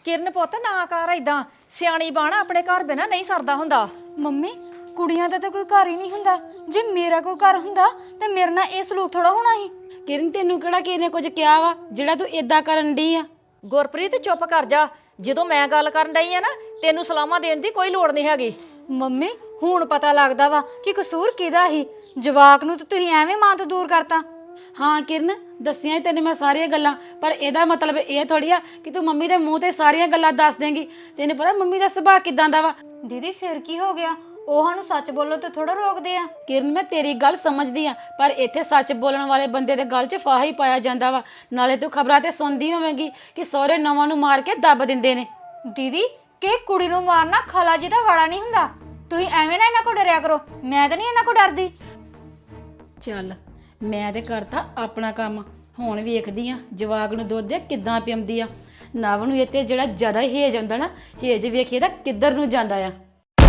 किरण पुत ना कर इदां सियाणी बाणा अपने घर बिना नहीं सरदा हुंदा। ਮੰਮੀ ਕੁੜੀਆਂ ਦਾ ਤਾਂ ਕੋਈ ਘਰ ਹੀ ਨਹੀਂ ਹੁੰਦਾ। ਜੇ ਮੇਰਾ ਕੋਈ ਘਰ ਹੁੰਦਾ ਤੇ ਮੇਰੇ ਨਾਲ ਇਹ ਸਲੂਕ ਥੋੜਾ ਹੋਣਾ ਸੀ। ਕਿਰਨ ਤੈਨੂੰ ਕਿਹੜਾ ਕਿਸੇ ਨੇ ਕੁਝ ਕਿਹਾ ਵਾ ਜਿਹੜਾ ਤੂੰ ਇਦਾਂ ਕਰਨ ਡਈ ਆ? ਗੁਰਪ੍ਰੀਤ ਚੁੱਪ ਕਰ ਜਾ। ਜਦੋਂ ਮੈਂ ਗੱਲ ਕਰਨ ਡਈ ਆ ਨਾ ਤੈਨੂੰ ਸਲਾਮਾਂ ਦੇਣ ਦੀ ਕੋਈ ਲੋੜ ਨਹੀਂ ਹੈਗੀ। ਮੰਮੀ ਹੁਣ ਪਤਾ ਲੱਗਦਾ ਵਾ ਕਿ ਕਸੂਰ ਕਿਹਦਾ ਸੀ। ਜਵਾਕ ਨੂੰ ਤਾਂ ਤੁਸੀਂ ਐਵੇਂ ਮਾਂ ਤੋਂ ਦੂਰ ਕਰਤਾ। ਹਾਂ ਕਿਰਨ ਦੱਸੀਆਂ ਤੈਨੂੰ ਮੈਂ ਸਾਰੀਆਂ ਗੱਲਾਂ, ਪਰ ਇਹਦਾ ਮਤਲਬ ਇਹ ਥੋੜੀ ਆ ਕਿ ਤੂੰ ਮੰਮੀ ਦੇ ਮੂੰਹ ਤੇ ਸਾਰੀਆਂ ਗੱਲਾਂ ਦੱਸ ਦੇਂਗੀ। ਤੈਨੂੰ ਪਤਾ ਮੰਮੀ ਦਾ ਸੁਭਾਅ ਕਿਦਾਂ ਦਾ ਵਾ। ਦੀਦੀ ਫਿਰ ਕੀ ਹੋ ਗਿਆ? ਉਹ ਸਾਨੂੰ ਸੱਚ ਬੋਲੋ ਤੇ ਥੋੜਾ ਰੋਕਦੇ ਆ। ਕਿਰਨ ਮੈਂ ਤੇਰੀ ਗੱਲ ਸਮਝਦੀ ਆ, ਪਰ ਇੱਥੇ ਸੱਚ ਬੋਲਣ ਵਾਲੇ ਬੰਦੇ ਦੇ ਗੱਲ 'ਚ ਫਾਹਾ ਹੀ ਪਾਇਆ ਜਾਂਦਾ ਵਾ। ਨਾਲੇ ਤੂੰ ਖਬਰਾਂ ਤੇ ਸੁਣਦੀ ਹੋਵੇਂਗੀ ਕਿ ਸਹੁਰੇ ਨਵਾਂ ਨੂੰ ਮਾਰ ਕੇ ਦੱਬ ਦਿੰਦੇ ਨੇ। ਦੀਦੀ ਕਿ ਕੁੜੀ ਨੂੰ ਮਾਰਨਾ ਖਾਲਾ ਜੀ ਦਾ ਵਾੜਾ ਨਹੀਂ ਹੁੰਦਾ। ਤੁਸੀਂ ਐਵੇਂ ਨਾ ਇਹਨਾਂ ਕੋ ਡਰਿਆ ਕਰੋ। ਮੈਂ ਤਾਂ ਨਹੀਂ ਇਹਨਾਂ ਕੋ ਡਰਦੀ। ਚੱਲ ਮੈਂ ਤੇ ਕਰਤਾ ਆਪਣਾ ਕੰਮ, ਹੁਣ ਵੇਖਦੀ ਆ ਜਵਾਕ ਨੂੰ ਦੁੱਧ ਦੇ ਕਿੱਦਾਂ ਪਿਆਉਂਦੀ ਆ। ਨਵ ਨੂੰ ਇਹ ਤੇ ਜਿਹੜਾ ਜ਼ਿਆਦਾ ਹੇਜ ਆਉਂਦਾ ਨਾ, ਹੇਜ ਵੇਖੀਏ ਤਾਂ ਕਿੱਧਰ ਨੂੰ ਜਾਂਦਾ ਆ।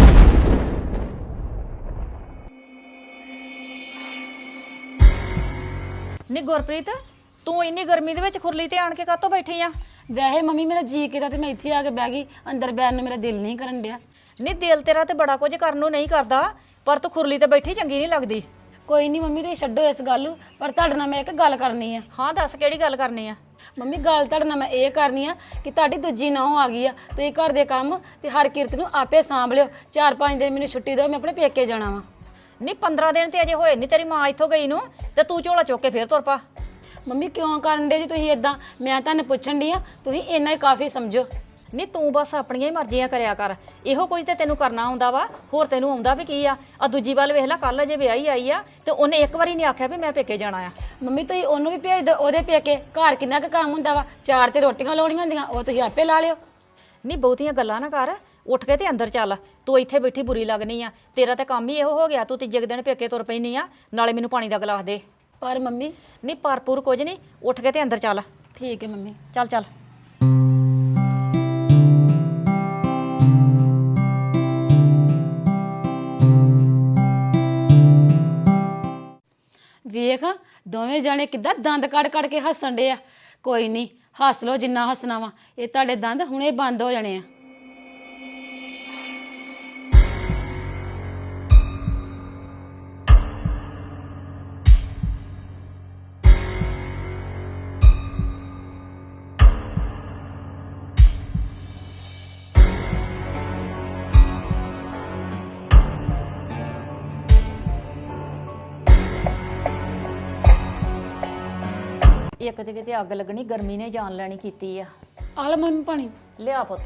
ਨੀ ਗੁਰਪ੍ਰੀਤ ਤੂੰ ਇੰਨੀ ਗਰਮੀ ਦੇ ਵਿੱਚ ਖੁਰਲੀ ਤੇ ਆਣ ਕੇ ਕਾਹਤੋਂ ਬੈਠੀ ਆ? ਵੈਸੇ ਮੰਮੀ ਮੇਰਾ ਜੀ ਕੀਤਾ ਤੇ ਮੈਂ ਇੱਥੇ ਆ ਕੇ ਬਹਿ ਗਈ। ਅੰਦਰ ਬੈਠਣ ਨੂੰ ਮੇਰਾ ਦਿਲ ਨਹੀਂ ਕਰਨ ਡਿਆ। ਨੀ ਦਿਲ ਤੇਰਾ ਤੇ ਬੜਾ ਕੁਝ ਕਰਨ ਨੂੰ ਨਹੀਂ ਕਰਦਾ, ਪਰ ਤੂੰ ਖੁਰਲੀ ਤੇ ਬੈਠੀ ਚੰਗੀ ਨਹੀਂ ਲੱਗਦੀ। ਕੋਈ ਨਹੀਂ ਮੰਮੀ, ਤੁਸੀਂ ਛੱਡੋ ਇਸ ਗੱਲ ਨੂੰ, ਪਰ ਤੁਹਾਡੇ ਨਾਲ ਮੈਂ ਇੱਕ ਗੱਲ ਕਰਨੀ ਆ। ਹਾਂ ਦੱਸ ਕਿਹੜੀ ਗੱਲ ਕਰਨੀ ਆ? ਮੰਮੀ ਗੱਲ ਤੁਹਾਡੇ ਨਾਲ ਮੈਂ ਇਹ ਕਰਨੀ ਆ ਕਿ ਤੁਹਾਡੀ ਦੂਜੀ ਨਹੁੰ ਆ ਗਈ ਆ। ਤੁਸੀਂ ਘਰ ਦੇ ਕੰਮ ਤੇ ਹਰ ਕਿਰਤ ਨੂੰ ਆਪੇ ਸਾਂਭ ਲਿਓ। 4-5 ਦਿਨ ਮੈਨੂੰ ਛੁੱਟੀ ਦਿਓ, ਮੈਂ ਆਪਣੇ ਪੇਕੇ ਜਾਣਾ ਵਾ। ਨੀ 15 ਦਿਨ ਤੇ ਅਜੇ ਹੋਏ ਨਹੀਂ ਤੇਰੀ ਮਾਂ ਇੱਥੋਂ ਗਈ ਨੂੰ, ਤੇ ਤੂੰ ਝੋਲਾ ਚੁੱਕ ਕੇ ਫੇਰ ਤੁਰ ਪਾ। ਮੰਮੀ ਕਿਉਂ ਕਰਨ ਦੇ ਜੀ ਤੁਸੀਂ ਇਦਾਂ? ਮੈਂ ਤੁਹਾਨੂੰ ਪੁੱਛਣ ਡਈ ਆ, ਤੁਸੀਂ ਇੰਨਾ ਹੀ ਕਾਫੀ ਸਮਝੋ। ਨੀ ਤੂੰ ਬਸ ਆਪਣੀਆਂ ਹੀ ਮਰਜ਼ੀਆਂ ਕਰਿਆ ਕਰ। ਇਹੋ ਕੁਝ ਤੇ ਤੈਨੂੰ ਕਰਨਾ ਆਉਂਦਾ ਵਾ, ਹੋਰ ਤੈਨੂੰ ਆਉਂਦਾ ਵੀ ਕੀ ਆ? ਆ ਦੂਜੀ ਵੱਲ ਵੇਖ ਲੈ, ਕੱਲ ਅਜੇ ਵਿਆਹੀ ਆਈ ਆ ਤੇ ਉਹਨੇ ਇੱਕ ਵਾਰੀ ਨਹੀਂ ਆਖਿਆ ਵੀ ਮੈਂ ਪੇਕੇ ਜਾਣਾ ਆ। ਮੰਮੀ ਤੁਸੀਂ ਉਹਨੂੰ ਵੀ ਭੇਜ ਦਿਓ ਉਹਦੇ ਪੇਕੇ। ਘਰ ਕਿੰਨਾ ਕੁ ਕੰਮ ਹੁੰਦਾ ਵਾ, 4 ਤੇ ਰੋਟੀਆਂ ਲਾਉਣੀਆਂ ਹੁੰਦੀਆਂ, ਉਹ ਤੁਸੀਂ ਆਪੇ ਲਾ ਲਿਓ। ਨੀ ਬਹੁਤੀਆਂ ਗੱਲਾਂ ਨਾ ਕਰ, ਉੱਠ ਕੇ ਤੇ ਅੰਦਰ ਚੱਲ। ਤੂੰ ਇੱਥੇ ਬੈਠੀ ਬੁਰੀ ਲੱਗਣੀ ਆ। ਤੇਰਾ ਤਾਂ ਕੰਮ ਹੀ ਇਹੋ ਹੋ ਗਿਆ, ਤੂੰ ਤੀਜੇ ਦਿਨ ਪੇਕੇ ਤੁਰ ਪੈਣੀ ਆ। ਨਾਲੇ ਮੈਨੂੰ ਪਾਣੀ ਦਾ ਗਲਾਸ ਦੇ। ਪਰ ਮੰਮੀ ਨੀ ਭਰਪੂਰ ਕੁਝ ਨਹੀਂ, ਉੱਠ ਕੇ ਤੇ ਅੰਦਰ ਚੱਲ। ਠੀਕ ਹੈ ਮੰਮੀ। ਚੱਲ ਚੱਲ। ਵੇਖ ਦੋਵੇਂ ਜਾਣੇ ਕਿੱਦਾਂ ਦੰਦ ਕੱਢ ਕੱਢ ਕੇ ਹੱਸਣ ਡੇ ਆ। ਕੋਈ ਨਹੀਂ, ਹੱਸ ਲਓ ਜਿੰਨਾ ਹੱਸਣਾ ਵਾ। ਇਹ ਤੁਹਾਡੇ ਦੰਦ ਹੁਣੇ ਬੰਦ ਹੋ ਜਾਣੇ ਆ। ਇੱਕ ਤੇ ਕਿਤੇ ਅੱਗ ਲੱਗਣੀ, ਗਰਮੀ ਨੇ ਜਾਨ ਲੈਣੀ ਕੀਤੀ ਆ। ਆ ਲੈ ਮੰਮੀ ਪਾਣੀ। ਲਿਆ ਪੁੱਤ।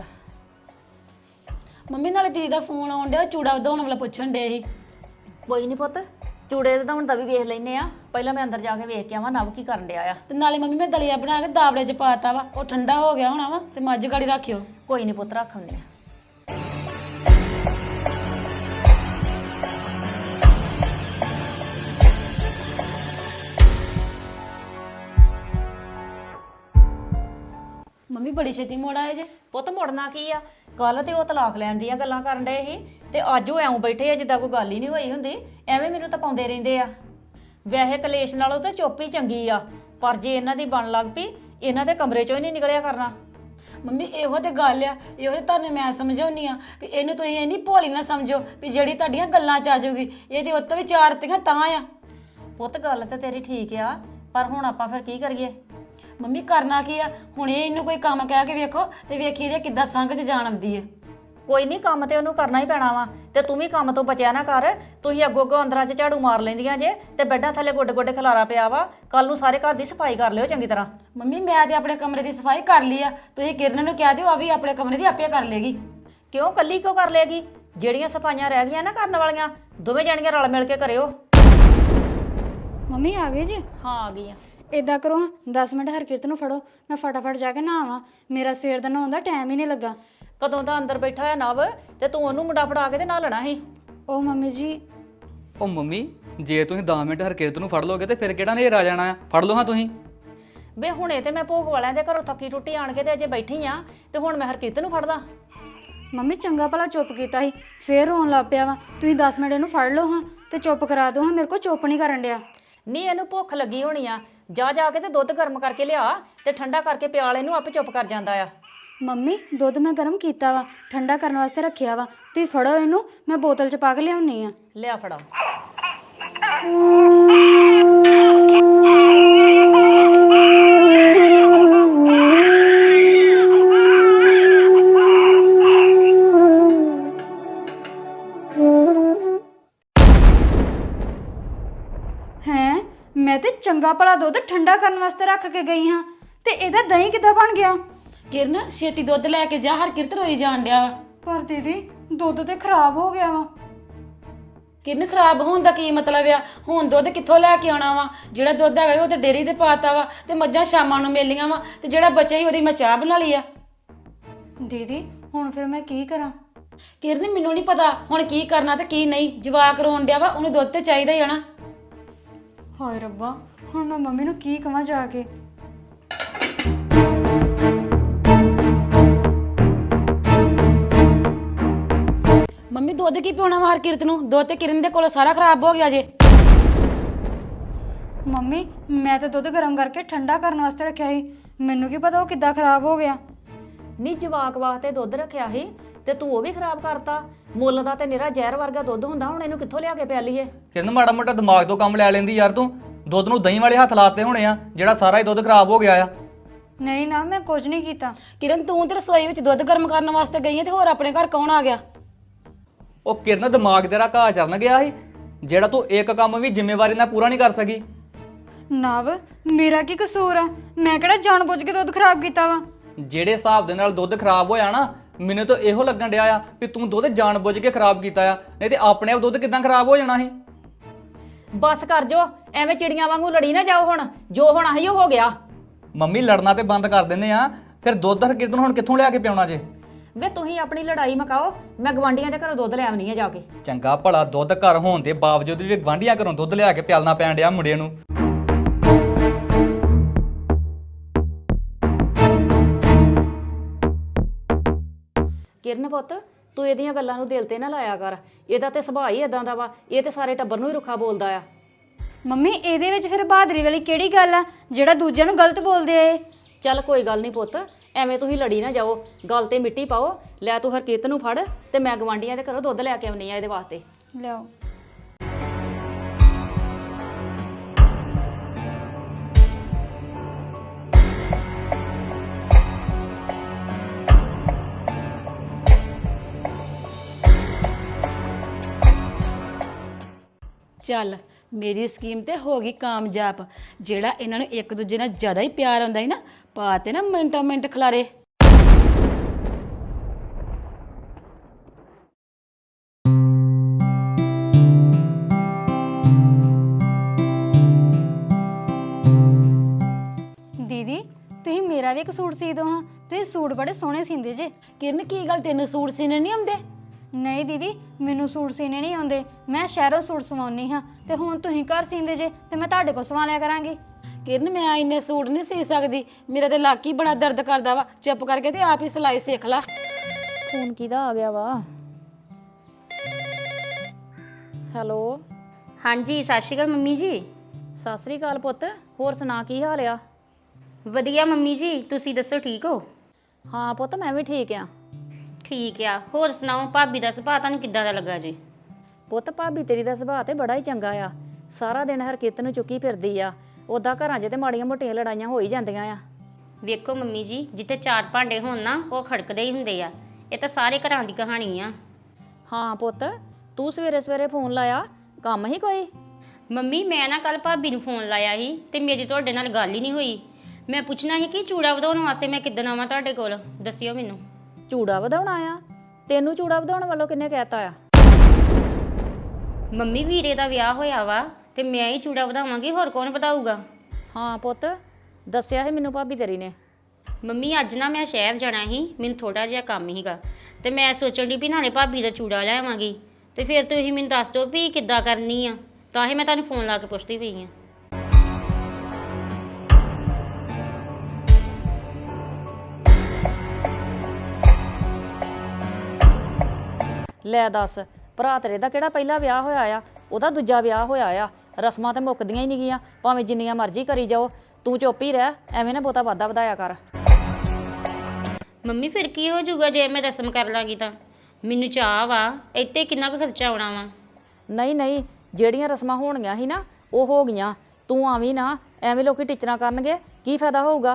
ਮੰਮੀ ਨਾਲੇ ਦੀਦੀ ਦਾ ਫੋਨ ਆਉਣ ਡਿਆ, ਚੂੜਾ ਵਧਾਉਣ ਵਾਲਾ ਪੁੱਛਣ ਡੇ ਸੀ। ਕੋਈ ਨਹੀਂ ਪੁੱਤ, ਚੂੜੇ ਵਧਾਉਣ ਦਾ ਵੀ ਵੇਖ ਲੈਨੇ ਆ। ਪਹਿਲਾਂ ਮੈਂ ਅੰਦਰ ਜਾ ਕੇ ਵੇਖ ਕੇ ਆਵਾਂ ਨਵ ਕੀ ਕਰਨ ਡਿਆ ਆ। ਤੇ ਨਾਲੇ ਮੰਮੀ ਮੈਂ ਦਲੀਆ ਬਣਾ ਕੇ ਦਾਬੜੇ 'ਚ ਪਾਤਾ ਵਾ, ਉਹ ਠੰਡਾ ਹੋ ਗਿਆ ਹੋਣਾ ਵਾ, ਤੇ ਮੱਝ ਗਾੜੀ ਰੱਖਿਓ। ਕੋਈ ਨਹੀਂ ਪੁੱਤ, ਰੱਖ ਆਉਂਦੇ ਆ। ਮੰਮੀ ਬੜੀ ਛੇਤੀ ਮੋੜ ਆਏ ਜੇ। ਪੁੱਤ ਮੁੜਨਾ ਕੀ ਆ? ਕੱਲ ਤੇ ਉਹ ਤਲਾਕ ਲੈਣ ਦੀਆਂ ਗੱਲਾਂ ਕਰਨ ਡਏ ਸੀ, ਤੇ ਅੱਜ ਉਹ ਐਉਂ ਬੈਠੇ ਆ ਜਿੱਦਾਂ ਕੋਈ ਗੱਲ ਹੀ ਨਹੀਂ ਹੋਈ ਹੁੰਦੀ। ਐਵੇਂ ਮੈਨੂੰ ਤਾਂ ਪਾਉਂਦੇ ਰਹਿੰਦੇ ਆ। ਵੈਸੇ ਕਲੇਸ਼ ਨਾਲੋਂ ਤਾਂ ਚੁੱਪ ਹੀ ਚੰਗੀ ਆ, ਪਰ ਜੇ ਇਹਨਾਂ ਦੀ ਬਣ ਲੱਗ ਪਈ, ਇਹਨਾਂ ਦੇ ਕਮਰੇ ਚੋਂ ਹੀ ਨਹੀਂ ਨਿਕਲਿਆ ਕਰਨਾ। ਮੰਮੀ ਇਹੋ ਤੇ ਗੱਲ ਆ, ਇਹੋ ਤੇ ਤੁਹਾਨੂੰ ਮੈਂ ਸਮਝਾਉਣੀ ਆ ਵੀ ਇਹਨੂੰ ਤੁਸੀਂ ਇੰਨੀ ਭੋਲੀ ਨਾ ਸਮਝੋ ਵੀ ਜਿਹੜੀ ਤੁਹਾਡੀਆਂ ਗੱਲਾਂ 'ਚ ਆ ਜਾਊਗੀ। ਇਹ ਤੇ ਉੱਤੋਂ ਵੀ 4 ਤੀਆਂ ਤਾਂ ਆ। ਪੁੱਤ ਗੱਲ ਤਾਂ ਤੇਰੀ ਠੀਕ ਆ, ਪਰ ਹੁਣ ਆਪਾਂ ਫਿਰ ਕੀ ਕਰੀਏ? ਮੰਮੀ ਕਰਨਾ ਕੀ ਆ? ਹੁਣ ਇਹਨੂੰ ਕੋਈ ਕੰਮ ਕਹਿ ਕੇ ਵੇਖੋ ਤੇ ਵੇਖੀ ਇਹਦੇ ਕਿੱਦਾਂ ਸੰਗ 'ਚ ਜਾਣ ਆਉਂਦੀ ਹੈ। ਕੋਈ ਨਹੀਂ, ਕੰਮ ਤੇ ਉਹਨੂੰ ਕਰਨਾ ਹੀ ਪੈਣਾ ਵਾ। ਤੇ ਤੂੰ ਵੀ ਕੰਮ ਤੋਂ ਬਚਿਆ ਨਾ ਕਰ। ਤੁਸੀਂ ਅੱਗੋਂ ਅੱਗੋਂ ਅੰਦਰਾਂ 'ਚ ਝਾੜੂ ਮਾਰ ਲੈਂਦੀਆਂ ਜੇ, ਤੇ ਬੈੱਡਾਂ ਥੱਲੇ ਗੋਡੇ ਗੋਡੇ ਖਲਾਰਾ ਪਿਆ ਵਾ। ਕੱਲ ਨੂੰ ਸਾਰੇ ਘਰ ਦੀ ਸਫਾਈ ਕਰ ਲਿਓ ਚੰਗੀ ਤਰ੍ਹਾਂ। ਮੰਮੀ ਮੈਂ ਤੇ ਆਪਣੇ ਕਮਰੇ ਦੀ ਸਫਾਈ ਕਰ ਲਈ ਆ, ਤੁਸੀਂ ਕਿਰਨ ਨੂੰ ਕਹਿ ਦਿਓ ਆ ਵੀ ਆਪਣੇ ਕਮਰੇ ਦੀ ਆਪੇ ਕਰ ਲੇਗੀ। ਕਿਉਂ ਕੱਲੀ ਕਿਉਂ ਕਰ ਲੇਗੀ? ਜਿਹੜੀਆਂ ਸਫਾਈਆਂ ਰਹਿ ਗਈਆਂ ਨਾ ਕਰਨ ਵਾਲੀਆਂ, ਦੋਵੇਂ ਜਾਣੀਆਂ ਰਲ ਮਿਲ ਕੇ ਕਰਿਓ। ਮੰਮੀ ਆ ਗਏ ਜੀ? ਹਾਂ ਆ ਗਈਆਂ। ਇਦਾਂ ਕਰੋ 10 ਮਿੰਟ ਹਰਕਿਰਤ ਨੂੰ ਫੜੋ, ਮੈਂ ਫਟਾਫਟ ਜਾ ਕੇ ਨਹਾਵਾਂ। ਮੇਰਾ ਸਵੇਰ ਦਾ ਨਹਾਉਣ ਦਾ ਟਾਈਮ ਹੀ ਨਹੀਂ ਲੱਗਾ। ਕਦੋਂ ਦਾ ਅੰਦਰ ਬੈਠਾ ਹੋਇਆ ਨਵ, ਤੇ ਤੂੰ ਉਹਨੂੰ ਮੁੰਡਾ ਫੜਾ ਕੇ ਤੇ ਨਾ ਲੈਣਾ ਸੀ। ਉਹ ਮੰਮੀ ਜੀ। ਉਹ ਮੰਮੀ, ਜੇ ਤੁਸੀਂ 10 ਮਿੰਟ ਹਰਕਿਰਤ ਨੂੰ ਫੜ ਲੋਗੇ ਤੇ ਫਿਰ ਕਿਹੜਾ ਨੇਰ ਆ ਜਾਣਾ ਆ? ਫੜ ਲਓ ਹਾਂ ਤੁਸੀਂ। ਵੇ ਹੁਣੇ ਤੇ ਮੈਂ ਭੋਗ ਵਾਲਿਆਂ ਦੇ ਘਰੋਂ ਥੱਕੀ ਟੁੱਟੀ ਆਣ ਕੇ ਤੇ ਅਜੇ ਬੈਠੀ ਆ, ਤੇ ਹੁਣ ਮੈਂ ਹਰਕਿਰਤ ਨੂੰ ਫੜਦਾ? ਮੰਮੀ ਚੰਗਾ ਭਲਾ ਚੁੱਪ ਕੀਤਾ ਸੀ, ਫੇਰ ਰੋਣ ਲੱਗ ਪਿਆ ਵਾ। ਤੁਸੀਂ 10 ਮਿੰਟ ਇਹਨੂੰ ਫੜ ਲਓ ਹਾਂ ਤੇ ਚੁੱਪ ਕਰਾ ਦਿਓ ਹਾਂ। ਮੇਰੇ ਕੋਲ ਚੁੱਪ ਨਹੀਂ ਕਰਨ ਡਿਆ। ਨਹੀਂ ਇਹਨੂੰ ਭੁੱਖ ਲੱਗੀ ਹੋਣੀ ਆ, ਜਾ ਜਾ ਕੇ ਤੇ ਦੁੱਧ ਗਰਮ ਕਰਕੇ ਲਿਆ ਤੇ ਠੰਡਾ ਕਰਕੇ ਪਿਆਲ ਇਹਨੂੰ, ਆਪੇ ਚੁੱਪ ਕਰ ਜਾਂਦਾ ਆ। ਮੰਮੀ ਦੁੱਧ ਮੈਂ ਗਰਮ ਕੀਤਾ ਵਾ, ਠੰਡਾ ਕਰਨ ਵਾਸਤੇ ਰੱਖਿਆ ਵਾ। ਤੁਸੀਂ ਫੜੋ ਇਹਨੂੰ, ਮੈਂ ਬੋਤਲ 'ਚ ਪਾ ਕੇ ਲਿਆਉਣੀ ਆ। ਲਿਆ ਫੜਾ। ਹੈਂ, ਮੈਂ ਤੇ ਚੰਗਾ ਭਲਾ ਦੁੱਧ ਠੰਡਾ ਕਰਨ ਵਾਸਤੇ ਰੱਖ ਕੇ ਗਈ ਹਾਂ, ਤੇ ਇਹਦਾ ਦਹੀਂ ਕਿੱਦਾਂ ਬਣ ਗਿਆ? ਕਿਰਨ ਛੇਤੀ ਦੁੱਧ ਲੈ ਕੇ ਜਾ, ਹਰਕਿਰਤ ਰੋਈ ਜਾਣ ਡਿਆ ਵਾ। ਪਰ ਦੀਦੀ ਦੁੱਧ ਤੇ ਖਰਾਬ ਹੋ ਗਿਆ ਵਾ। ਕਿਰਨ ਖਰਾਬ ਹੋਣ ਦਾ ਕੀ ਮਤਲਬ ਆ? ਹੁਣ ਦੁੱਧ ਕਿੱਥੋਂ ਲੈ ਕੇ ਆਉਣਾ ਵਾ? ਜਿਹੜਾ ਦੁੱਧ ਹੈਗਾ ਉਹ ਤੇ ਡੇਅਰੀ ਤੇ ਪਾਤਾ ਵਾ, ਤੇ ਮੱਝਾਂ ਸ਼ਾਮਾਂ ਨੂੰ ਮੇਲੀਆਂ ਵਾ, ਤੇ ਜਿਹੜਾ ਬਚਿਆ ਹੀ ਉਹਦੀ ਮੈਂ ਚਾਹ ਬਣਾ ਲਈ ਆ। ਦੀਦੀ ਹੁਣ ਫਿਰ ਮੈਂ ਕੀ ਕਰਾਂ? ਕਿਰਨ ਮੈਨੂੰ ਨਹੀਂ ਪਤਾ ਹੁਣ ਕੀ ਕਰਨਾ ਤੇ ਕੀ ਨਹੀਂ। ਜਵਾਕ ਰੋਣ ਡਿਆ ਵਾ, ਉਹਨੂੰ ਦੁੱਧ ਤੇ ਚਾਹੀਦਾ ਹੀ ਆ ਨਾ। ਹਾਏ ਰੱਬਾ, ਹੁਣ ਮੈਂ ਮੰਮੀ ਨੂੰ ਕੀ ਕਵਾਂ ਜਾ ਕੇ? ਮੰਮੀ ਦੁੱਧ ਕੀ ਪਿਉਣਾ ਵਾ ਹਰਕਿਰਤ ਨੂੰ? ਦੁੱਧ ਤੇ ਕਿਰਨ ਦੇ ਕੋਲ ਸਾਰਾ ਖਰਾਬ ਹੋ ਗਿਆ ਜੇ। ਮੰਮੀ ਮੈਂ ਤਾਂ ਦੁੱਧ ਗਰਮ ਕਰਕੇ ਠੰਡਾ ਕਰਨ ਵਾਸਤੇ ਰੱਖਿਆ ਸੀ, ਮੈਨੂੰ ਕੀ ਪਤਾ ਉਹ ਕਿੱਦਾਂ ਖਰਾਬ ਹੋ ਗਿਆ। ਨੀ ਜਵਾਕ ਵਾਸਤੇ ਦੁੱਧ ਰੱਖਿਆ ਸੀ ਤੇ ਤੂੰ ਉਹ ਵੀ ਖਰਾਬ ਕਰਤਾ। ਮੁੱਲ ਦਾ ਤੇ ਨਿਰਾ ਜ਼ਹਿਰ ਵਰਗਾ ਦੁੱਧ ਹੁੰਦਾ, ਹੁਣ ਇਹਨੂੰ ਕਿੱਥੋਂ ਲਿਆ ਕੇ ਪਿਆ ਲਈਏ? ਕਿਰਨ ਮਾੜਾ ਮੋਟਾ ਦਿਮਾਗ ਤੋਂ ਕੰਮ ਲੈ ਲੈਂਦੀ ਯਾਰ ਤੂੰ। ਦੁੱਧ ਨੂੰ ਦਹੀਂ ਵਾਲੇ ਹੱਥ ਲਾਤੇ ਹੋਣੇ ਆ, ਜਿਹੜਾ ਸਾਰਾ ਹੀ ਦੁੱਧ ਖਰਾਬ ਹੋ ਗਿਆ ਆ। ਨਹੀਂ ਨਾ, ਮੈਂ ਕੁਝ ਨਹੀਂ ਕੀਤਾ। ਕਿਰਨ ਤੂੰ ਤੇ ਰਸੋਈ ਵਿੱਚ ਦੁੱਧ ਗਰਮ ਕਰਨ ਵਾਸਤੇ ਗਈ ਹੈ, ਤੇ ਹੋਰ ਆਪਣੇ ਘਰ ਕੌਣ ਆ ਗਿਆ? ਉਹ ਕਿਰਨ ਦਿਮਾਗ ਤੇਰਾ ਘਾਹ ਚਰਨ ਗਿਆ ਸੀ, ਜਿਹੜਾ ਤੂੰ ਇੱਕ ਕੰਮ ਵੀ ਜ਼ਿੰਮੇਵਾਰੀ ਨਾਲ ਪੂਰਾ ਨਹੀਂ ਕਰ ਸਕੀ। ਨਵ ਮੇਰਾ ਕੀ ਕਸੂਰ ਆ? ਮੈਂ ਕਿਹੜਾ ਜਾਣਬੁੱਝ ਕੇ ਦੁੱਧ ਖਰਾਬ ਕੀਤਾ ਵਾ? ਜਿਹੜੇ ਹਿਸਾਬ ਦੇ ਨਾਲ ਦੁੱਧ ਖਰਾਬ ਹੋਇਆ ਨਾ, ਮੈਨੂੰ ਤਾਂ ਇਹੋ ਲੱਗਣ ਡਿਆ ਆ ਵੀ ਤੂੰ ਦੁੱਧ ਜਾਣਬੁੱਝ ਕੇ ਖਰਾਬ ਕੀਤਾ ਆ, ਨਹੀਂ ਤੇ ਆਪਣੇ ਆਪ ਦੁੱਧ ਕਿਦਾਂ ਖਰਾਬ ਹੋ ਜਾਣਾ ਸੀ। ਬਸ ਕਰ ਜੋ, ਐਵੇਂ ਚਿੜੀਆਂ ਵਾਂਗੂ ਲੜੀ ਨਾ ਜਾਓ। ਹੁਣ ਜੋ ਹੋਣਾ ਸੀ ਉਹ ਹੋ ਗਿਆ। ਮੰਮੀ ਲੜਨਾ ਤੇ ਬੰਦ ਕਰ ਦਿੰਦੇ ਆ, ਫਿਰ ਦੁੱਧ ਹਰਕਿਰਤ ਨੂੰ ਹੁਣ ਕਿੱਥੋਂ ਲਿਆ ਕੇ ਪਿਆਉਣਾ ਜੇ? ਵੇ ਤੁਸੀਂ ਆਪਣੀ ਲੜਾਈ ਮਕਾਓ, ਮੈਂ ਗਵਾਂਢੀਆਂ ਦੇ ਘਰੋਂ ਦੁੱਧ ਲੈ ਆਉਣੀ ਆ ਜਾ ਕੇ। ਚੰਗਾ ਭਲਾ ਦੁੱਧ ਘਰ ਹੋਣ ਦੇ ਬਾਵਜੂਦ ਵੀ ਗਵਾਂਢੀਆਂ ਘਰੋਂ ਦੁੱਧ ਲਿਆ ਕੇ ਪਿਆਲਣਾ ਪੈਣ ਡਿਆ ਮੁੰਡੇ ਨੂੰ। ਕਿਰਨ ਪੁੱਤ, ਤੂੰ ਇਹਦੀਆਂ ਗੱਲਾਂ ਨੂੰ ਦਿਲ ਤੇ ਨਾ ਲਾਇਆ ਕਰ। ਇਹਦਾ ਤੇ ਸੁਭਾਅ ਹੀ ਇਦਾਂ ਦਾ ਵਾ, ਇਹ ਤੇ ਸਾਰੇ ਟੱਬਰ ਨੂੰ ਹੀ ਰੁੱਖਾ ਬੋਲਦਾ ਆ। ਮੰਮੀ ਇਹਦੇ ਵਿੱਚ ਫਿਰ ਬਹਾਦਰੀ ਵਾਲੀ ਕਿਹੜੀ ਗੱਲ ਆ, ਜਿਹੜਾ ਦੂਜਿਆਂ ਨੂੰ ਗਲਤ ਬੋਲਦੇ ਆ ਇਹ? ਚੱਲ ਕੋਈ ਗੱਲ ਨਹੀਂ ਪੁੱਤ, ਐਵੇਂ ਤੁਸੀਂ ਲੜੀ ਨਾ ਜਾਓ, ਗੱਲ ਤੇ ਮਿੱਟੀ ਪਾਓ। ਲੈ ਤੂੰ ਹਰਕੀਤ ਨੂੰ ਫੜ, ਤੇ ਮੈਂ ਗਵਾਂਢੀਆਂ ਦੇ ਘਰੋਂ ਦੁੱਧ ਲੈ ਕੇ ਆਉਣੀ ਆ ਇਹਦੇ ਵਾਸਤੇ। ਲਿਆਓ। ਚੱਲ ਮੇਰੀ ਸਕੀਮ ਤੇ ਹੋ ਗਈ ਕਾਮਯਾਬ। ਜਿਹੜਾ ਇਹਨਾਂ ਨੂੰ ਇੱਕ ਦੂਜੇ ਨਾਲ ਜ਼ਿਆਦਾ ਹੀ ਪਿਆਰ ਆਉਂਦਾ ਹੈ ਨਾ, ਪਾ ਤੇ ਨਾ ਮਿੰਟੋ ਮਿੰਟ ਖਲਾਰੇ। ਦੀਦੀ ਤੁਸੀਂ ਮੇਰਾ ਵੀ ਇੱਕ ਸੂਟ ਸੀ ਦਿਓ ਹਾਂ, ਤੁਸੀਂ ਸੂਟ ਬੜੇ ਸੋਹਣੇ ਸੀਂਦੇ ਜੇ। ਕਿਰਨ ਕੀ ਗੱਲ, ਤੈਨੂੰ ਸੂਟ ਸੀਨੇ ਨਹੀਂ ਆਉਂਦੇ? ਨਹੀਂ ਦੀਦੀ, ਮੈਨੂੰ ਸੂਟ ਸੀਨੇ ਨਹੀਂ ਆਉਂਦੇ। ਮੈਂ ਸ਼ਹਿਰੋਂ ਸੂਟ ਸਵਾਉਣੀ ਹਾਂ, ਤੇ ਹੁਣ ਤੁਸੀਂ ਘਰ ਸੀਂਦੇ ਜੇ, ਤੇ ਮੈਂ ਤੁਹਾਡੇ ਕੋਲ ਸਵਾ ਲਿਆ ਕਰਾਂਗੀ। ਕਿਰਨ ਮੈਂ ਇੰਨੇ ਸੂਟ ਨਹੀਂ ਸੀ ਸਕਦੀ, ਮੇਰਾ ਤੇ ਲੱਕ ਹੀ ਬੜਾ ਦਰਦ ਕਰਦਾ ਵਾ। ਚੁੱਪ ਕਰਕੇ ਤੇ ਆਪ ਹੀ ਸਿਲਾਈ ਸਿੱਖ ਲਾ। ਫੋਨ ਕਿਹਦਾ ਆ ਗਿਆ ਵਾ? ਹੈਲੋ। ਹਾਂਜੀ ਸਤਿ ਸ਼੍ਰੀ ਅਕਾਲ ਮੰਮੀ ਜੀ। ਸਤਿ ਸ੍ਰੀ ਅਕਾਲ ਪੁੱਤ, ਹੋਰ ਸੁਣਾ ਕੀ ਹਾਲ ਆ? ਵਧੀਆ ਮੰਮੀ ਜੀ, ਤੁਸੀਂ ਦੱਸੋ ਠੀਕ ਹੋ? ਹਾਂ ਪੁੱਤ, ਮੈਂ ਵੀ ਠੀਕ ਆ। ਠੀਕ ਆ। ਹੋਰ ਸੁਣਾਓ, ਭਾਬੀ ਦਾ ਸੁਭਾਅ ਤੁਹਾਨੂੰ ਕਿੱਦਾਂ ਦਾ ਲੱਗਾ ਜੀ? ਪੁੱਤ ਭਾਬੀ ਤੇਰੀ ਦਾ ਸੁਭਾਅ ਤੇ ਬੜਾ ਹੀ ਚੰਗਾ ਆ। ਸਾਰਾ ਦਿਨ ਹਰਕਿਤ ਨੂੰ ਚੁੱਕੀ ਫਿਰਦੀ ਆ। ਉੱਦਾਂ ਘਰਾਂ 'ਚ ਤੇ ਮਾੜੀਆਂ ਮੋਟੀਆਂ ਲੜਾਈਆਂ ਹੋ ਹੀ ਜਾਂਦੀਆਂ ਆ। ਵੇਖੋ ਮੰਮੀ ਜੀ, ਜਿੱਥੇ ਚਾਰ ਭਾਂਡੇ ਹੋਣ ਨਾ, ਉਹ ਖੜਕਦੇ ਹੀ ਹੁੰਦੇ ਆ। ਇਹ ਤਾਂ ਸਾਰੇ ਘਰਾਂ ਦੀ ਕਹਾਣੀ ਆ। ਹਾਂ ਪੁੱਤ, ਤੂੰ ਸਵੇਰੇ ਸਵੇਰੇ ਫੋਨ ਲਾਇਆ, ਕੰਮ ਹੀ ਕੋਈ? ਮੰਮੀ ਮੈਂ ਨਾ ਕੱਲ ਭਾਬੀ ਨੂੰ ਫੋਨ ਲਾਇਆ ਸੀ, ਤੇ ਮੇਰੀ ਤੁਹਾਡੇ ਨਾਲ ਗੱਲ ਹੀ ਨਹੀਂ ਹੋਈ। ਮੈਂ ਪੁੱਛਣਾ ਸੀ ਕਿ ਚੂੜਾ ਵਧਾਉਣ ਵਾਸਤੇ ਮੈਂ ਕਿੱਦਣ ਆਵਾਂ ਤੁਹਾਡੇ ਕੋਲ, ਦੱਸਿਓ ਮੈਨੂੰ। ਚੂੜਾ ਵਧਾਉਣਾ ਆ? ਤੈਨੂੰ ਚੂੜਾ ਵਧਾਉਣ ਵੱਲੋਂ ਕਿੰਨੇ ਕਹਿਤਾ ਆ? ਮੰਮੀ ਵੀਰੇ ਦਾ ਵਿਆਹ ਹੋਇਆ ਵਾ, ਤੇ ਮੈਂ ਹੀ ਚੂੜਾ ਵਧਾਵਾਂਗੀ, ਹੋਰ ਕੌਣ ਵਧਾਊਗਾ? ਹਾਂ ਪੁੱਤ, ਦੱਸਿਆ ਸੀ ਮੈਨੂੰ ਭਾਬੀ ਤੇਰੀ ਨੇ। ਮੰਮੀ ਅੱਜ ਨਾ ਮੈਂ ਸ਼ਹਿਰ ਜਾਣਾ ਸੀ, ਮੈਨੂੰ ਥੋੜਾ ਜਿਹਾ ਕੰਮ ਸੀਗਾ, ਤੇ ਮੈਂ ਸੋਚਣ ਦੀ ਵੀ ਨਾਲੇ ਭਾਬੀ ਦਾ ਚੂੜਾ ਲੈ ਆਵਾਂਗੀ, ਤੇ ਫਿਰ ਤੁਸੀਂ ਮੈਨੂੰ ਦੱਸ ਦਿਓ ਵੀ ਕਿੱਦਾਂ ਕਰਨੀ ਆ। ਤਾਂ ਹੀ ਮੈਂ ਤੁਹਾਨੂੰ ਫੋਨ ਲਾ ਕੇ ਪੁੱਛਦੀ ਪਈ ਆ। ਲੈ ਦੱਸ, ਭਰਾ ਤੇਰੇ ਦਾ ਕਿਹੜਾ ਪਹਿਲਾ ਵਿਆਹ ਹੋਇਆ ਆ? ਉਹਦਾ ਦੂਜਾ ਵਿਆਹ ਹੋਇਆ ਆ। ਰਸਮਾਂ ਤੇ ਮੁੱਕਦੀਆਂ ਹੀ ਨਹੀਂ ਗੀਆਂ, ਭਾਵੇਂ ਜਿੰਨੀਆਂ ਮਰਜ਼ੀ ਕਰੀ ਜਾਓ। ਤੂੰ ਚੁੱਪ ਹੀ ਰਹਿ, ਐਵੇਂ ਨਾ ਬਹੁਤਾ ਵਾਧਾ ਵਧਾਇਆ ਕਰ। ਮੰਮੀ ਫਿਰ ਕੀ ਹੋ ਜਾਊਗਾ ਜੇ ਮੈਂ ਰਸਮ ਕਰ ਲਾਂਗੀ ਤਾਂ? ਮੈਨੂੰ ਚਾਹ ਵਾ, ਇੱਥੇ ਕਿੰਨਾ ਕੁ ਖਰਚਾ ਆਉਣਾ ਵਾ? ਨਹੀਂ ਨਹੀਂ, ਜਿਹੜੀਆਂ ਰਸਮਾਂ ਹੋਣਗੀਆਂ ਸੀ ਨਾ ਉਹ ਹੋ ਗਈਆਂ। ਤੂੰ ਆਵੀਂ ਨਾ, ਐਵੇਂ ਲੋਕੀ ਟੀਚਰਾਂ ਕਰਨਗੇ, ਕੀ ਫਾਇਦਾ ਹੋਊਗਾ?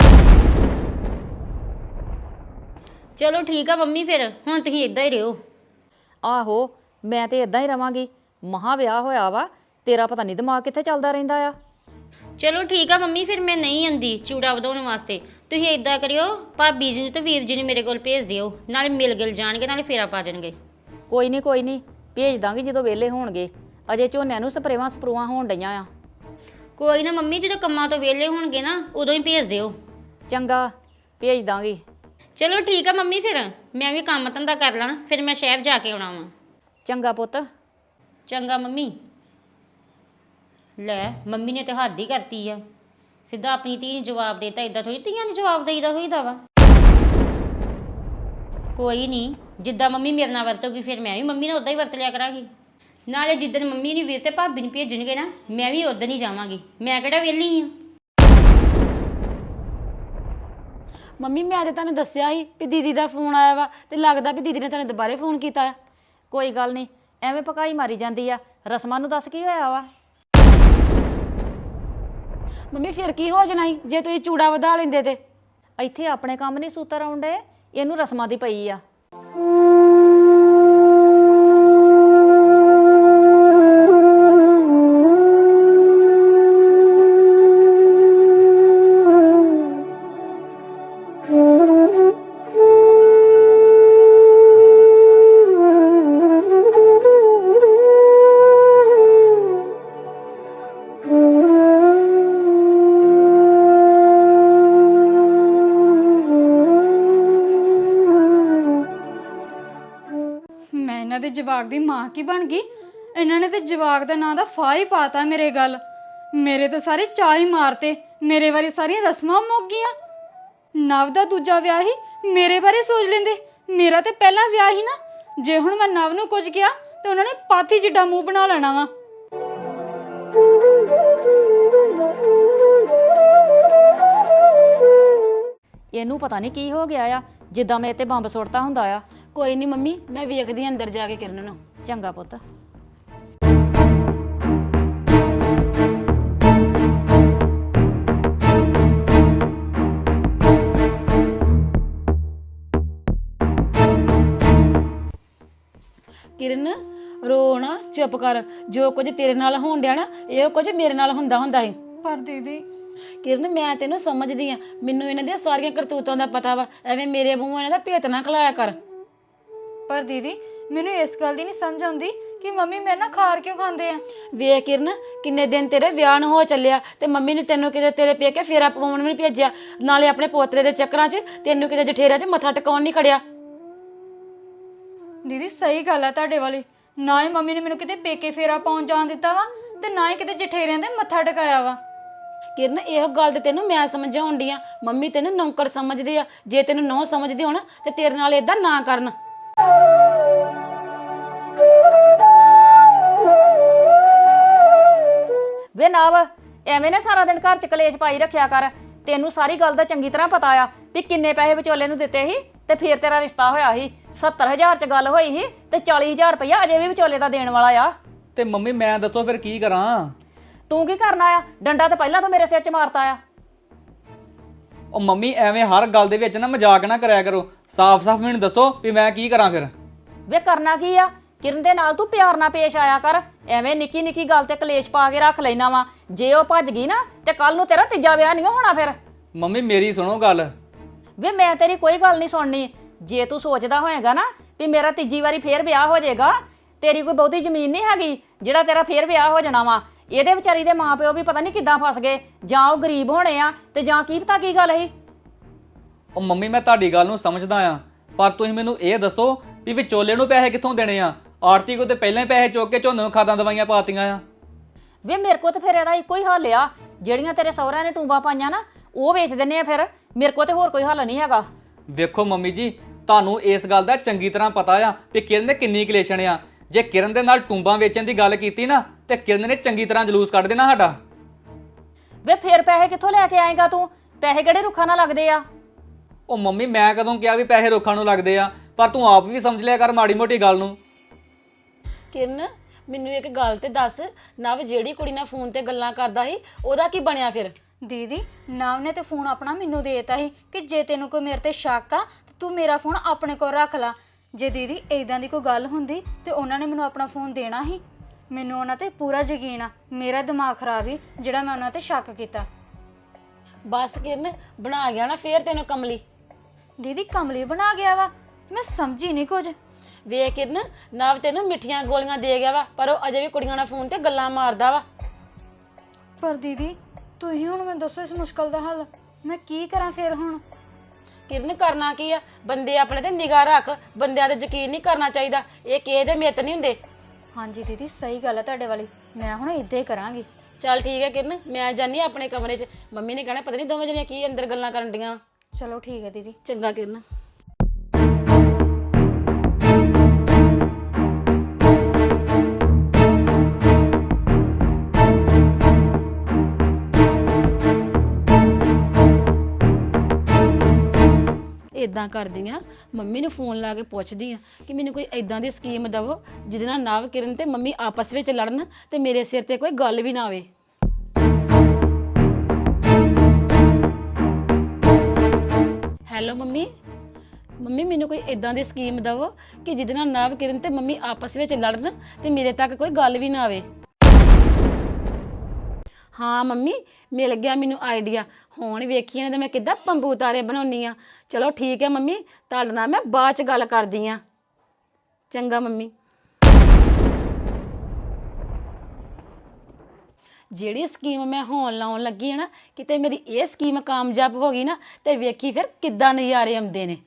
ਚਲੋ ਠੀਕ ਆ ਮੰਮੀ, ਫਿਰ ਹੁਣ ਤੁਸੀਂ ਇਦਾਂ ਹੀ ਰਹੋ। ਆਹੋ, ਮੈਂ ਤੇ ਇਦਾਂ ਹੀ ਰਵਾਂਗੀ। ਮਹਾ ਵਿਆਹ ਹੋਇਆ ਵਾ, ਤੇਰਾ ਪਤਾ ਨਹੀਂ ਦਿਮਾਗ ਕਿੱਥੇ ਚੱਲਦਾ ਰਹਿੰਦਾ ਆ। ਚਲੋ ਠੀਕ ਆ ਮੰਮੀ, ਫਿਰ ਮੈਂ ਨਹੀਂ ਆਂਦੀ ਚੂੜਾ ਵਧਾਉਣ ਵਾਸਤੇ। ਤੁਸੀਂ ਇਦਾਂ ਕਰਿਓ, ਭਾਬੀ ਜੀ ਨੂੰ ਤੇ ਵੀਰ ਜੀ ਨੂੰ ਮੇਰੇ ਕੋਲ ਭੇਜ ਦਿਓ, ਨਾਲੇ ਮਿਲ ਗਿਲ ਜਾਣਗੇ, ਨਾਲੇ ਫੇਰਾ ਪਾ ਜਾਣਗੇ। ਕੋਈ ਨਹੀਂ, ਭੇਜ ਦਾਂਗੀ ਜਦੋਂ ਵਿਹਲੇ ਹੋਣਗੇ। ਅਜੇ ਝੋਨਿਆਂ ਨੂੰ ਸਪਰੇਵਾਂ ਸਪਰੂਆਂ ਹੋਣ ਡਈਆਂ ਆ। ਕੋਈ ਨਾ ਮੰਮੀ, ਜਦੋਂ ਕੰਮਾਂ ਤੋਂ ਵਿਹਲੇ ਹੋਣਗੇ ਨਾ ਉਦੋਂ ਹੀ ਭੇਜ ਦਿਓ। ਚੰਗਾ, ਭੇਜ ਦਾਂਗੀ। ਚਲੋ ਠੀਕ ਆ ਮੰਮੀ, ਫਿਰ ਮੈਂ ਵੀ ਕੰਮ ਧੰਦਾ ਕਰ ਲਾਂ, ਫਿਰ ਮੈਂ ਸ਼ਹਿਰ ਜਾ ਕੇ ਆਉਣਾ ਵਾ। ਚੰਗਾ ਪੁੱਤ। ਚੰਗਾ ਮੰਮੀ। ਲੈ ਮੰਮੀ ਨੇ ਤੇ ਹੱਦ ਹੀ ਕਰਤੀ ਆ, ਸਿੱਧਾ ਆਪਣੀ ਧੀ ਨੂੰ ਜਵਾਬ ਦੇਤਾ। ਇਦਾਂ ਥੋੜੀ ਧੀਆਂ ਨੂੰ ਜਵਾਬ ਦੇਈਦਾ ਹੋਈਦਾ ਵਾ। ਕੋਈ ਨਹੀਂ, ਜਿੱਦਾਂ ਮੰਮੀ ਮੇਰੇ ਨਾਲ ਵਰਤੋਗੀ ਫਿਰ ਮੈਂ ਵੀ ਮੰਮੀ ਨਾਲ ਉਦਾਂ ਹੀ ਵਰਤ ਲਿਆ ਕਰਾਂਗੀ। ਨਾਲੇ ਜਿੱਦਣ ਮੰਮੀ ਨੂੰ ਵੀਰ ਤੇ ਭਾਬੀ ਨੂੰ ਭੇਜਣਗੇ ਨਾ, ਮੈਂ ਵੀ ਉਦੋਂ ਹੀ ਜਾਵਾਂਗੀ। ਮੈਂ ਕਿਹੜਾ ਵਿਹਲੀ ਆ। ਮੰਮੀ ਮੈਂ ਤੇ ਤੁਹਾਨੂੰ ਦੱਸਿਆ ਸੀ ਵੀ ਦੀਦੀ ਦਾ ਫੋਨ ਆਇਆ ਵਾ, ਤੇ ਲੱਗਦਾ ਵੀ ਦੀਦੀ ਨੇ ਤੁਹਾਨੂੰ ਦੁਬਾਰੇ ਫੋਨ ਕੀਤਾ ਆ। ਕੋਈ ਗੱਲ ਨਹੀਂ, ਐਵੇਂ ਪਕਾਈ ਮਾਰੀ ਜਾਂਦੀ ਆ। ਰਸਮਾਂ ਨੂੰ ਦੱਸ ਕੀ ਹੋਇਆ ਵਾ? ਮੰਮੀ ਫਿਰ ਕੀ ਹੋ ਜਾਣਾ ਸੀ ਜੇ ਤੁਸੀਂ ਚੂੜਾ ਵਧਾ ਲੈਂਦੇ ਤੇ? ਇੱਥੇ ਆਪਣੇ ਕੰਮ ਨਹੀਂ ਸੂਤਰ ਆਉਂਦੇ, ਇਹਨੂੰ ਰਸਮਾਂ ਦੀ ਪਈ ਆ। ਮੈਂ ਇਹਨਾਂ ਦੇ ਜਵਾਕ ਦੀ ਮਾਂ ਕੀ ਬਣ ਗਈ? ਇਹਨਾਂ ਨੇ ਤੇ ਜਵਾਕ ਦਾ ਨਾਂ ਦਾ ਫਾਹ ਹੀ ਪਾਤਾ ਮੇਰੇ ਗੱਲ। ਮੇਰੇ ਤੇ ਸਾਰੇ ਚਾਅ ਹੀ ਮਾਰਤੇ। ਮੇਰੇ ਬਾਰੇ ਸਾਰੀਆਂ ਰਸਮਾਂ ਮੁੱਕ ਗਈਆਂ। ਨਵ ਦਾ ਦੂਜਾ ਵਿਆਹ ਹੀ ਮੇਰੇ ਬਾਰੇ ਸੋਚ ਲੈਂਦੇ। ਮੇਰਾ ਤੇ ਪਹਿਲਾ ਵਿਆਹ ਹੀ ਨਾ। ਜੇ ਹੁਣ ਮੈਂ ਨਵ ਨੂੰ ਕੁਝ ਕਿਹਾ ਤੇ ਉਹਨਾਂ ਨੇ ਪਾਥੀ ਜਿੱਡਾ ਮੂੰਹ ਬਣਾ ਲੈਣਾ ਵਾ। ਇਹਨੂੰ ਪਤਾ ਨਹੀਂ ਕੀ ਹੋ ਗਿਆ ਆ, ਜਿੱਦਾਂ ਮੇਰੇ ਤੇ ਬੰਬ ਸੁੱਟਦਾ ਹੁੰਦਾ ਆ। ਕੋਈ ਨਹੀਂ ਮੰਮੀ, ਮੈਂ ਵੇਖਦੀ ਆਂ ਅੰਦਰ ਜਾ ਕੇ ਕਿਰਨ ਨੂੰ। ਚੰਗਾ ਪੁੱਤ। ਕਿਰਨ ਰੋ ਨਾ, ਚੁੱਪ ਕਰ। ਜੋ ਕੁਝ ਤੇਰੇ ਨਾਲ ਹੋਣ ਡਿਆ ਨਾ, ਇਹੋ ਕੁਝ ਮੇਰੇ ਨਾਲ ਹੁੰਦਾ ਸੀ। ਪਰ ਦੀਦੀ ਕਿਰਨ ਮੈਂ ਤੈਨੂੰ ਸਮਝਦੀ ਆ, ਮੈਨੂੰ ਇਹਨਾਂ ਦੀਆਂ ਸਾਰੀਆਂ ਕਰਤੂਤਾਂ ਦਾ ਪਤਾ ਵਾ। ਐਵੇਂ ਮੇਰੇ ਮੂੰਹੋਂ ਇਹਨਾਂ ਦਾ ਭੇਤ ਨਾ ਖਲਾਇਆ ਕਰ। ਪਰ ਦੀਦੀ ਮੈਨੂੰ ਇਸ ਗੱਲ ਦੀ ਨਹੀਂ ਸਮਝ ਆਉਂਦੀ ਕਿ ਮੰਮੀ ਮੇਰੇ ਨਾਲ ਖਾਰ ਕਿਉਂ ਖਾਂਦੇ ਆ। ਵੇਖ ਕਿਰਨ, ਕਿੰਨੇ ਦਿਨ ਤੇਰੇ ਵਿਆਹ ਨੂੰ ਹੋ ਚੱਲਿਆ ਤੇ ਮੰਮੀ ਨੇ ਤੈਨੂੰ ਕਿਤੇ ਤੇਰੇ ਪੇਕੇ ਫੇਰਾ ਪਵਾਉਣ ਵੀ ਨਹੀਂ ਭੇਜਿਆ, ਨਾਲੇ ਆਪਣੇ ਪੋਤਰੇ ਦੇ ਚੱਕਰਾਂ 'ਚ ਤੈਨੂੰ ਕਿਤੇ ਜਠੇਰਿਆਂ 'ਚ ਮੱਥਾ ਟਿਕਾਉਣ ਨਹੀਂ ਖੜਿਆ। ਦੀਦੀ ਸਹੀ ਗੱਲ ਆ ਤੁਹਾਡੇ ਵਾਲੀ। ਨਾ ਹੀ ਮੰਮੀ ਨੇ ਮੈਨੂੰ ਕਿਤੇ ਪੇਕੇ ਫੇਰਾ ਪਾਉਣ ਜਾਣ ਦਿੱਤਾ ਵਾ, ਤੇ ਨਾ ਹੀ ਕਿਤੇ ਜਠੇਰਿਆਂ ਦੇ ਮੱਥਾ ਟਿਕਾਇਆ ਵਾ। ਕਿਰਨ ਇਹੋ ਗੱਲ ਤੇ ਤੈਨੂੰ ਮੈਂ ਸਮਝਾਉਣ ਡਈ ਆ। ਮੰਮੀ ਤੈਨੂੰ ਨੌਕਰ ਸਮਝਦੇ ਆ। ਜੇ ਤੈਨੂੰ ਨੌ ਸਮਝਦੇ ਹੋਣ ਤੇ ਤੇਰੇ ਨਾਲ ਏਦਾਂ ਨਾ ਕਰਨ। ਵੇ ਨਵ, ਐਵੇਂ ਨਾ ਸਾਰਾ ਦਿਨ ਘਰ ਚ ਕਲੇਸ਼ ਪਾਈ ਰੱਖਿਆ ਕਰ। ਤੈਨੂੰ ਸਾਰੀ ਗੱਲ ਦਾ ਚੰਗੀ ਤਰ੍ਹਾਂ ਪਤਾ ਆ ਵੀ ਕਿੰਨੇ ਪੈਸੇ ਵਿਚੋਲੇ ਨੂੰ ਦਿੱਤੇ ਸੀ ਤੇ ਫੇਰ ਤੇਰਾ ਰਿਸ਼ਤਾ ਹੋਇਆ ਸੀ। 70,000 ਚ ਗੱਲ ਹੋਈ ਸੀ ਤੇ 40,000 ਰੁਪਇਆ ਅਜੇ ਵੀ ਵਿਚੋਲੇ ਦਾ ਦੇਣ ਵਾਲਾ ਆ। ਤੇ ਮੰਮੀ ਮੈਂ ਦੱਸੋ ਫਿਰ ਕੀ ਕਰਾਂ? ਤੂੰ ਕੀ ਕਰਨਾ ਆ? ਡੰਡਾ ਤਾਂ ਪਹਿਲਾਂ ਤੋਂ ਮੇਰੇ ਸਿਰ 'ਚ ਮਾਰਤਾ ਆ। ਉਹ ਮੰਮੀ ਐਵੇਂ ਹਰ ਗੱਲ ਦੇ ਵਿੱਚ ਨਾ ਮਜ਼ਾਕ ਨਾ ਕਰਿਆ ਕਰੋ। ਸਾਫ਼-ਸਾਫ਼ ਮੈਨੂੰ ਦੱਸੋ ਵੀ ਮੈਂ ਕੀ ਕਰਾਂ ਫਿਰ? ਵੇ ਕਰਨਾ ਕੀ ਆ? ਕਿਰਨ ਦੇ ਨਾਲ ਤੂੰ ਪਿਆਰ ਨਾਲ ਪੇਸ਼ ਆਇਆ ਕਰ। ਐਵੇਂ ਨਿੱਕੀ ਨਿੱਕੀ ਗੱਲ ਤੇ ਕਲੇਸ਼ ਪਾ ਕੇ ਰੱਖ ਲੈਣਾ ਵਾ। ਜੇ ਉਹ ਭੱਜ ਗਈ ਨਾ ਤੇ ਕੱਲ ਨੂੰ ਤੇਰਾ ਤੀਜਾ ਵਿਆਹ ਨਹੀਂ ਹੋਣਾ ਫਿਰ। ਮੰਮੀ ਮੇਰੀ ਸੁਣੋ ਗੱਲ। ਵੇ ਮੈਂ ਤੇਰੀ ਕੋਈ ਗੱਲ ਨਹੀਂ ਸੁਣਨੀ। ਜੇ ਤੂੰ ਸੋਚਦਾ ਹੋਏਗਾ ਨਾ ਵੀ ਮੇਰਾ ਤੀਜੀ ਵਾਰੀ ਫੇਰ ਵਿਆਹ ਹੋ ਜਾਏਗਾ, ਤੇਰੀ ਕੋਈ ਬਹੁਤੀ ਜ਼ਮੀਨ ਨਹੀਂ ਹੈਗੀ ਜਿਹੜਾ ਤੇਰਾ ਫੇਰ ਵਿਆਹ ਹੋ ਜਾਣਾ ਵਾ। ਇਹਦੇ ਵਿਚਾਰੀ ਦੇ ਮਾਪਿਓ ਵੀ ਪਤਾ ਨਹੀਂ ਕਿੱਦਾਂ ਫਸ ਗਏ, ਜਾਂ ਉਹ ਗਰੀਬ ਹੋਣੇ ਆ ਤੇ ਜਾਂ ਕੀ ਪਤਾ ਕੀ ਗੱਲ ਸੀ। ਉਹ ਮੰਮੀ ਮੈਂ ਤੁਹਾਡੀ ਗੱਲ ਨੂੰ ਸਮਝਦਾ ਆ, ਪਰ ਤੁਸੀਂ ਮੈਨੂੰ ਇਹ ਦੱਸੋ ਵੀ ਵਿਚੋਲੇ ਨੂੰ ਪੈਸੇ ਕਿੱਥੋਂ ਦੇਣੇ ਆ? ਆਰਤੀ ਕੋ ਤੇ ਪਹਿਲਾਂ ਹੀ ਪੈਸੇ ਚੁੱਕ ਕੇ ਝੋਨੇ ਨੂੰ ਖਾਦਾਂ ਦਵਾਈਆਂ ਪਾਤੀਆਂ ਆ। ਵੇ ਮੇਰੇ ਕੋ ਤੇ ਫਿਰ ਇਹਦਾ ਇੱਕੋ ਹੀ ਹੱਲ ਆ। ਜਿਹੜੀਆਂ ਤੇਰੇ ਸਹੁਰਿਆਂ ਨੇ ਟੂੰਬਾਂ ਪਾਈਆਂ ਨਾ ਉਹ ਵੇਚ ਦਿੰਨੇ ਆ। ਫਿਰ ਮੇਰੇ ਕੋ ਤੇ ਹੋਰ ਕੋਈ ਹੱਲ ਨਹੀਂ ਹੈਗਾ। ਵੇਖੋ ਮੰਮੀ ਜੀ, ਤੁਹਾਨੂੰ ਇਸ ਗੱਲ ਦਾ ਚੰਗੀ ਤਰ੍ਹਾਂ ਪਤਾ ਆ ਵੀ ਕਿਰਨ ਨੇ ਕਿੰਨੀ ਕਲੇਸ਼ਣ ਆ। ਜੇ ਕਿਰਨ ਦੇ ਨਾਲ ਟੂੰਬਾਂ ਵੇਚਣ ਦੀ ਗੱਲ ਕੀਤੀ ਨਾ ਤੇ ਕਿਰਨ ਨੇ ਚੰਗੀ ਤਰ੍ਹਾਂ ਜਲੂਸ ਕੱਢ ਦੇਣਾ ਸਾਡਾ। ਵੇ ਫੇਰ ਪੈਸੇ ਕਿੱਥੋਂ ਲੈ ਕੇ ਆਏਗਾ ਤੂੰ? ਪੈਸੇ ਕਿਹੜੇ ਰੁੱਖਾਂ ਨਾਲ ਲੱਗਦੇ ਆ? ਉਹ ਮੰਮੀ ਮੈਂ ਕਦੋਂ ਕਿਹਾ ਵੀ ਪੈਸੇ ਰੁੱਖਾਂ ਨੂੰ ਲੱਗਦੇ ਆ, ਪਰ ਤੂੰ ਆਪ ਵੀ ਸਮਝ ਲਿਆ ਕਰ ਮਾੜੀ ਮੋਟੀ ਗੱਲ ਨੂੰ। ਕਿਰਨ ਮੈਨੂੰ ਇੱਕ ਗੱਲ ਤੇ ਦੱਸ, ਨਵ ਜਿਹੜੀ ਕੁੜੀ ਨਾਲ ਫੋਨ ਤੇ ਗੱਲਾਂ ਕਰਦਾ ਸੀ ਉਹਦਾ ਕੀ ਬਣਿਆ ਫਿਰ? ਦੀਦੀ ਨਵ ਨੇ ਤੇ ਫੋਨ ਆਪਣਾ ਮੈਨੂੰ ਦੇਤਾ ਸੀ ਕਿ ਜੇ ਤੈਨੂੰ ਕੋਈ ਮੇਰੇ ਤੇ ਸ਼ੱਕ ਆ ਤੇ ਤੂੰ ਮੇਰਾ ਫੋਨ ਆਪਣੇ ਕੋਲ ਰੱਖ ਲਾ। ਜੇ ਦੀਦੀ ਇਦਾਂ ਦੀ ਕੋਈ ਗੱਲ ਹੁੰਦੀ ਤੇ ਉਹਨਾਂ ਨੇ ਮੈਨੂੰ ਆਪਣਾ ਫੋਨ ਦੇਣਾ ਸੀ। ਮੈਨੂੰ ਉਹਨਾਂ ਤੇ ਪੂਰਾ ਯਕੀਨ ਆ, ਮੇਰਾ ਦਿਮਾਗ ਖਰਾਬ ਹੀ ਜਿਹੜਾ ਮੈਂ ਉਹਨਾਂ ਤੇ ਸ਼ੱਕ ਕੀਤਾ। ਬਸ ਕਿਰਨ ਬਣਾ ਗਿਆ ਨਾ ਫੇਰ ਤੈਨੂੰ ਕਮਲੀ। ਦੀਦੀ ਕਮਲੀ ਬਣਾ ਗਿਆ ਵਾ? ਮੈਂ ਸਮਝੀ ਨਹੀਂ ਕੁਝ। ਵੇਖ ਕਿਰਨ ਨਵ ਤੈਨੂੰ ਮਿੱਠੀਆਂ ਗੋਲੀਆਂ ਦੇ ਗਿਆ ਵਾ, ਪਰ ਉਹ ਅਜੇ ਵੀ ਕੁੜੀਆਂ ਨਾਲ ਫੋਨ ਤੇ ਗੱਲਾਂ ਮਾਰਦਾ ਵਾ। ਪਰ ਦੀਦੀ ਤੁਸੀਂ ਹੁਣ ਮੈਨੂੰ ਦੱਸੋ ਇਸ ਮੁਸ਼ਕਲ ਦਾ ਹੱਲ, ਮੈਂ ਕੀ ਕਰਾਂ ਫਿਰ ਹੁਣ? ਕਿਰਨ ਕਰਨਾ ਕੀ ਆ? ਬੰਦੇ ਆਪਣੇ ਤੇ ਨਿਗਾਹ ਰੱਖ, ਬੰਦਿਆਂ ਤੇ ਯਕੀਨ ਨਹੀਂ ਕਰਨਾ ਚਾਹੀਦਾ। ਇਹ ਕਿਸੇ ਦੇ ਮਿੱਤ ਨਹੀਂ ਹੁੰਦੇ। ਹਾਂਜੀ ਦੀਦੀ ਸਹੀ ਗੱਲ ਹੈ ਤੁਹਾਡੇ ਵਾਲੀ, ਮੈਂ ਹੁਣ ਇਦਾਂ ਹੀ ਕਰਾਂਗੀ। ਚੱਲ ਠੀਕ ਹੈ ਕਿਰਨ, ਮੈਂ ਜਾਨੀ ਆਂ ਆਪਣੇ ਕਮਰੇ 'ਚ। ਮੰਮੀ ਨੇ ਕਹਿਣਾ ਪਤਾ ਨਹੀਂ ਦੋਵੇਂ ਜਣੀਆਂ ਕੀ ਅੰਦਰ ਗੱਲਾਂ ਕਰਨ ਡੀਆਂ। ਚਲੋ ਠੀਕ ਹੈ ਦੀਦੀ। ਚੰਗਾ ਕਿਰਨ। ਇਦਾਂ ਕਰਦੀ ਆ, ਮੰਮੀ ਨੂੰ ਫੋਨ ਲਾ ਕੇ ਪੁੱਛਦੀ ਆ ਕਿ ਮੈਨੂੰ ਕੋਈ ਇਦਾਂ ਦੀ ਸਕੀਮ ਦਵੋ ਜਿਹਦੇ ਨਾਲ ਨਵ ਕਿਰਨ ਤੇ ਮੰਮੀ ਆਪਸ ਵਿੱਚ ਲੜਨ ਤੇ ਮੇਰੇ ਸਿਰ ਤੇ ਕੋਈ ਗੱਲ ਵੀ ਨਾ ਆਵੇ। ਹੈਲੋ ਮੰਮੀ, ਮੰਮੀ ਮੈਨੂੰ ਕੋਈ ਇਦਾਂ ਦੀ ਸਕੀਮ ਦਵੋ ਕਿ ਜਿਹਦੇ ਨਾਲ ਨਵ ਕਿਰਨ ਤੇ ਮੰਮੀ ਆਪਸ ਵਿੱਚ ਲੜਨ ਤੇ ਮੇਰੇ ਤੱਕ ਕੋਈ ਗੱਲ ਵੀ ਨਾ ਆਵੇ। ਹਾਂ ਮੰਮੀ ਮਿਲ ਗਿਆ ਮੈਨੂੰ ਆਈਡੀਆ। ਹੁਣ ਵੇਖੀ ਇਹਨਾਂ ਦੇ ਮੈਂ ਕਿੱਦਾਂ ਪੰਬੂ ਤਾਰੇ ਬਣਾਉਣੀ ਆ। ਚਲੋ ਠੀਕ ਹੈ ਮੰਮੀ, ਤੁਹਾਡੇ ਨਾਲ ਮੈਂ ਬਾਅਦ ਚ ਗੱਲ ਕਰਦੀ ਆ। ਚੰਗਾ ਮੰਮੀ। ਜਿਹੜੀ ਸਕੀਮ ਮੈਂ ਹੋਣ ਲਾਉਣ ਲੱਗੀ ਹੈ ਨਾ, ਕਿਤੇ ਮੇਰੀ ਇਹ ਸਕੀਮ ਕਾਮਯਾਬ ਹੋ ਗਈ ਨਾ ਤੇ ਵੇਖੀ ਫਿਰ ਕਿੱਦਾਂ ਨਜ਼ਾਰੇ ਆਉਂਦੇ ਨੇ।